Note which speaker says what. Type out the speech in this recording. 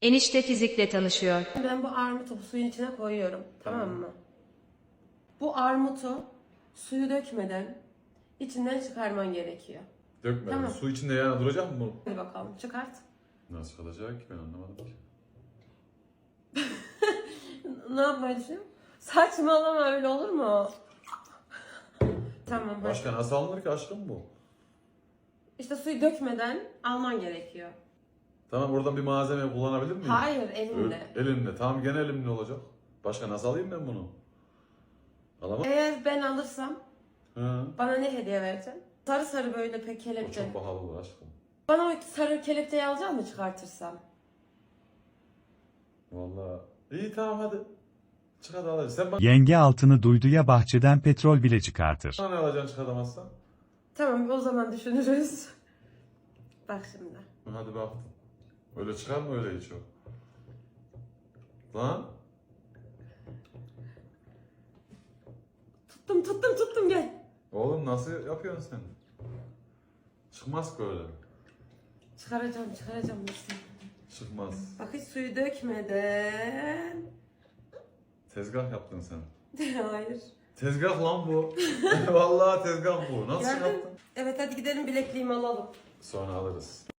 Speaker 1: Enişte fizikle tanışıyor.
Speaker 2: Ben bu armutu bu suyun içine koyuyorum. Tamam mı? Bu armutu suyu dökmeden içinden çıkarman gerekiyor.
Speaker 3: Dökme.
Speaker 2: Tamam.
Speaker 3: Su içinde yani duracak mı bu?
Speaker 2: Hadi bakalım çıkart.
Speaker 3: Nasıl kalacak ki ben anlamadım ki.
Speaker 2: Ne yapmayı düşünüyorum? Saçmalama, öyle olur mu? Tamam. hadi.
Speaker 3: Başka nasıl alınır ki aşkım bu?
Speaker 2: İşte suyu dökmeden alman gerekiyor.
Speaker 3: Tamam oradan bir malzeme kullanabilir miyim?
Speaker 2: Hayır, elinle.
Speaker 3: Elimle. Tamam gene elimle olacak. Başka nasıl alayım ben bunu? Alamam.
Speaker 2: Eğer ben alırsam
Speaker 3: Hı.
Speaker 2: bana ne hediye vereceksin? Sarı sarı böyle pek
Speaker 3: O
Speaker 2: kelepçe.
Speaker 3: çok pahalı bu aşkım.
Speaker 2: Bana o sarı kelepçeyi alacak mı çıkartırsam?
Speaker 3: Vallahi. İyi tamam hadi. Çık hadi al. Sen bana
Speaker 4: Yenge altını duyduya bahçeden petrol bile çıkartır.
Speaker 3: ne alacaksın çıkartamazsan?
Speaker 2: Tamam, o zaman düşünürüz. Bak şimdi.
Speaker 3: Hadi baktım. Öyle çıkar mı öyle hiç o? Lan.
Speaker 2: Tuttum gel.
Speaker 3: Oğlum nasıl yapıyorsun sen? Çıkmaz ki öyle.
Speaker 2: Çıkaracağım işte.
Speaker 3: Çıkmaz.
Speaker 2: Bak hiç suyu dökmeden.
Speaker 3: Tezgah yaptın sen.
Speaker 2: Hayır.
Speaker 3: Tezgah lan bu. Vallahi tezgah bu. Nasıl
Speaker 2: Geldin.
Speaker 3: çıkarttın?
Speaker 2: Evet, hadi gidelim bilekliğimi alalım.
Speaker 3: Sonra alırız.